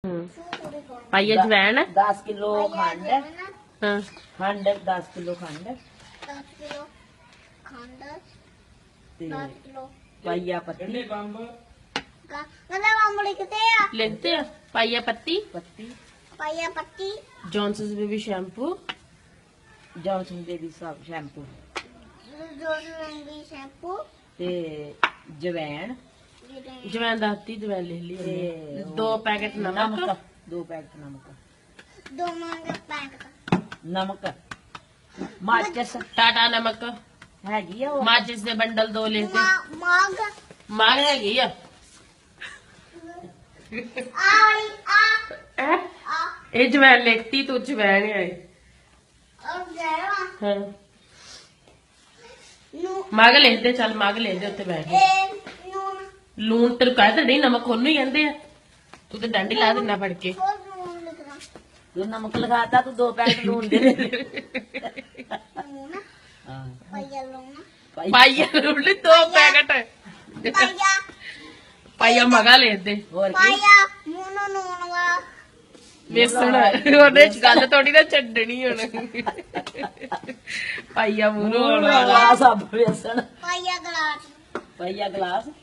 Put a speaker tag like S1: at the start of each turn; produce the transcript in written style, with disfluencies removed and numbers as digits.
S1: पाइया जवैन
S2: 10 kilo खंड
S1: हाँ
S2: खंड 10 किलो खंड
S3: 10 किलो खंड
S2: ते
S3: 10 किलो
S2: पाइया पत्ती
S3: मतलब हम लिखते हैं
S1: लिखते हैं पाइया पत्ती
S2: पत्ती
S3: पाया पत्ती
S1: Johnson's baby shampoo
S2: Johnson baby सब शैम्पू
S3: जो भी शैम्पू
S2: ते जवैन
S1: जवैन दाती जवैन ले ली हमने।
S2: ते
S1: 2 पैकेट नमक
S2: 2 पैकेट नमक
S3: 2 मंगे पैक
S2: नमक माचिस
S1: टाटा नमक
S2: हैगी आ वो
S1: माचिस दे बंडल 2 लेते
S3: माग
S1: मांग हैगी आ
S3: आई आ
S1: ये जवैन लिखती तू जवैन है
S3: और जरा
S1: हाँ
S3: नू
S1: मांग लेते चल मांग लेते उत्ते बैठ के
S3: ए नून
S1: लून तेरे कहते नहीं नमक ਉਹਨੂੰ ਹੀ ਕਹਿੰਦੇ ਆ ਤੂੰ ਤੇ ਡੰਡੀ ਲਾ ਦਿੰਦਾ ਫੜ ਕੇ
S3: और नून लिखना
S2: तू नमक लगाता तू 2 पैकेट लून दे दे
S3: नून
S2: हाँ
S3: पाया लून
S1: ਪਾਈਆ ਲੂਣ 2 ਪੈਕਟ
S3: पाया
S1: ਪਾਈਆ ਮਗਾ ਲੈਂਦੇ
S2: और की
S3: पाया नून नून वा
S1: ਵੇਸਣ ਉਹਦੇ ਚ ਗੱਲ ਥੋੜੀ ਨਾ ਛੱਡਣੀ ਹੁਣ ਪਾਈਆ ਮੂਰੋ
S2: ग्लास अब बेसन
S3: पाया गिलास
S2: पाइया गिलास